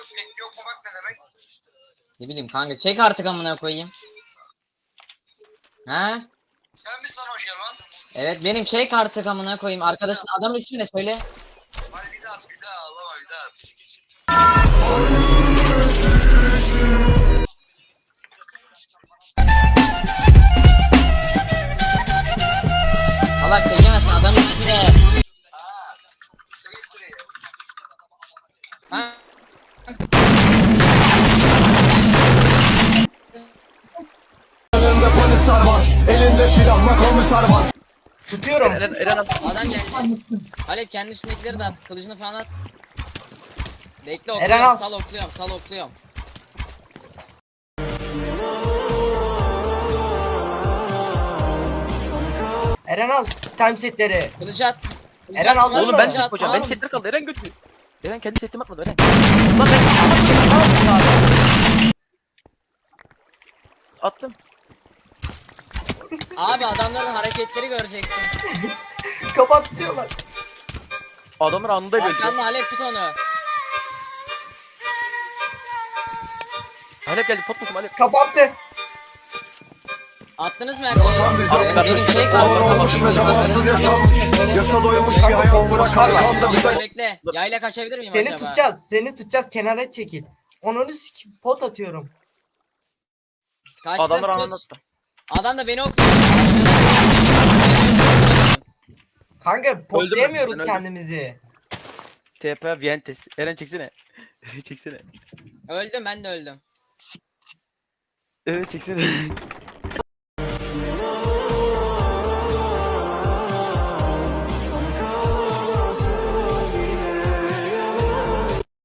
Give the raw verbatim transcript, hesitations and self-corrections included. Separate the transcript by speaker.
Speaker 1: Pek yok mu bak ne demek?
Speaker 2: Ne bileyim kanka, çek artık amına koyayım. Ha?
Speaker 1: Sen misin lan o Jerman?
Speaker 2: Evet benim, çek artık amına koyayım. Arkadaşın adamın ismi ne söyle.
Speaker 1: Hadi bir daha at bir daha ağlama bir daha at.
Speaker 2: Allah çekemezsin, adamın ismi ne?
Speaker 1: Aaa. Twister'ı.
Speaker 2: Ha?
Speaker 3: Elinde polisler var, elinde silahla komiser var.
Speaker 4: Tutuyorum.
Speaker 5: Eren, Eren at.
Speaker 2: Adam geldi. Alep kendi üstündekileri de at. Kılıcını falan at. Bekle,
Speaker 4: Eren
Speaker 2: okluyorum.
Speaker 4: al.
Speaker 2: Sal okluyorum. Sal okluyorum.
Speaker 4: Eren al time setleri.
Speaker 2: Kılıcı at. Kılıcı
Speaker 4: Eren
Speaker 2: at.
Speaker 4: aldın
Speaker 5: Oğlum
Speaker 4: mı?
Speaker 5: ben
Speaker 2: Kılıcı
Speaker 5: set
Speaker 2: at,
Speaker 5: koyacağım.
Speaker 2: alır
Speaker 5: Ben setler
Speaker 2: mısın?
Speaker 5: kaldı. Eren götürüyor. Eren kendi setimi atmadı Eren.
Speaker 4: Lan ben
Speaker 5: Attım.
Speaker 2: Abi adamların hareketleri göreceksin.
Speaker 4: kapatıyorlar.
Speaker 5: Adamlar anında öldü.
Speaker 2: Arkanda Halep, tut onu.
Speaker 5: Halep geldi. Pot musun Halep?
Speaker 4: Kapattı.
Speaker 2: Attınız mı
Speaker 3: Vatan
Speaker 2: herkese?
Speaker 3: bize
Speaker 2: Evet, benim şey
Speaker 3: Ağır
Speaker 2: kaldı.
Speaker 3: olmuş ve zamansız yaşam. Yasa doymuş bir hayat bırakar kanda
Speaker 2: Bekle
Speaker 3: bize.
Speaker 2: bekle. Yayla kaçabilir miyim
Speaker 4: Seni
Speaker 2: acaba?
Speaker 4: tutacağız. Seni tutacağız. Kenara çekil. Onu sik pot atıyorum.
Speaker 2: Kaçtım,
Speaker 5: Adamlar
Speaker 2: tut.
Speaker 5: anında attı.
Speaker 2: Adam da beni okuyor.
Speaker 4: Kanka potlayamıyoruz
Speaker 5: ben öldüm.
Speaker 4: kendimizi.
Speaker 5: T P Vientes. Eren çeksene. Eren çeksene.
Speaker 2: Öldüm, ben de öldüm.
Speaker 5: Eren çeksene.